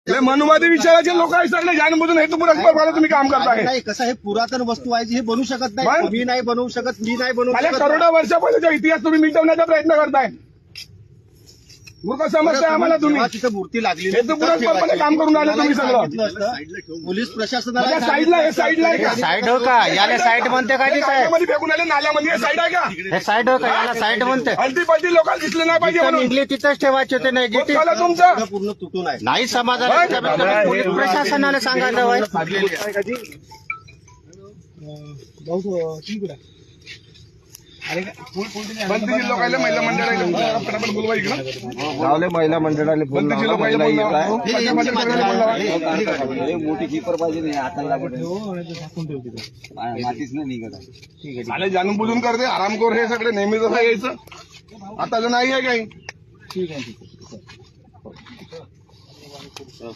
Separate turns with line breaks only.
मनुवादी विचाराचे लोक आहे सगळे जाणबुजून हेतू पुरस्कार तुम्ही काम करताय.
नाही कसं हे पुरातन वस्तू आहे हे बनवू शकत नाही.
मग?
तुम्ही नाही बनवू शकत, मी नाही बनवू
मला
शकत.
करोडो वर्षापासूनचा इतिहास तुम्ही मिटवण्याचा प्रयत्न करताय. मूर्ख समजताय आम्हाला तुम्ही.
जेव्हा तिथं मूर्ती लागली
हेतू पुरस्कारपणे काम करून राहिले तुम्ही सगळं.
पोलीस प्रशासनाला
म्हणजे साईडला हे साईडला आहे का?
साईड हो का याला साईड म्हणते काय साहेब?
नाल्यामध्ये फेकून आले नाल्यामध्ये हे साईड आहे का?
हे साईड हो का याला साईड म्हणते?
हलती पलटी लोकांना दिसले नाही पाहिजे
जिथं
म्हणून.
निघले तिथंच ठेवायचे होते. नाही
होत
जिथे
झालं तुमचं.
पूर्ण तुटून आहे.
नाही समाजाला पोलीस प्रशासनाला सांगायला हवंय.
बंदीची लोकांना महिला मंडळाला फटाफट बोलवा इकडं.
गावले महिला मंडळाला बोलला
बंदीची लोकांना
मोठी कीपर पाहिजे नाही हाताला मातीच नाही निघत आहे.
मला जाणून बुजून करते आरामखोर हे सगळे नेहमी जसं यायचं. आता तर नाही आहे काही.